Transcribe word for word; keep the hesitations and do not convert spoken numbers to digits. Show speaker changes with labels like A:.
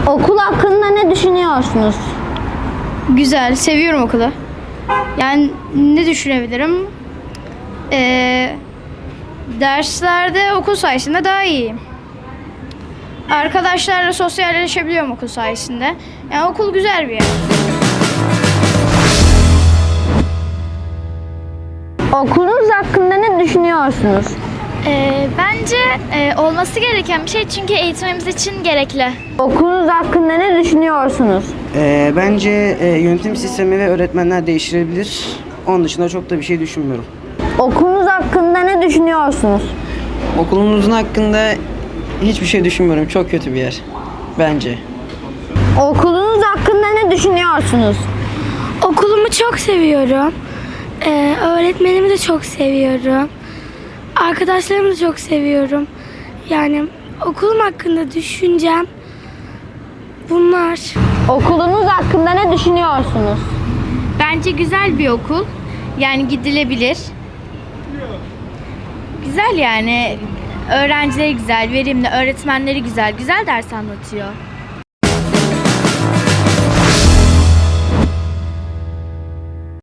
A: Okul hakkında ne düşünüyorsunuz?
B: Güzel, seviyorum okulu. Yani ne düşünebilirim? Ee, derslerde okul sayesinde daha iyiyim. Arkadaşlarla sosyalleşebiliyorum okul sayesinde. Yani okul güzel bir yer.
A: Okulunuz hakkında ne düşünüyorsunuz?
C: Ee, bence e, olması gereken bir şey çünkü eğitimimiz için gerekli.
A: Okulunuz hakkında ne düşünüyorsunuz?
D: Ee, bence e, yönetim sistemi ve öğretmenler değiştirebilir. Onun dışında çok da bir şey düşünmüyorum.
A: Okulunuz hakkında ne düşünüyorsunuz?
E: Okulumuzun hakkında hiçbir şey düşünmüyorum. Çok kötü bir yer. Bence.
A: Okulunuz hakkında ne düşünüyorsunuz?
F: Okulumu çok seviyorum. Ee, öğretmenimi de çok seviyorum. Arkadaşlarımı da çok seviyorum. Yani okulum hakkında düşüncem bunlar.
A: Okulunuz hakkında ne düşünüyorsunuz?
B: Bence güzel bir okul. Yani gidilebilir. Güzel yani. Öğrencileri güzel, verimli, öğretmenleri güzel. Güzel ders anlatıyor.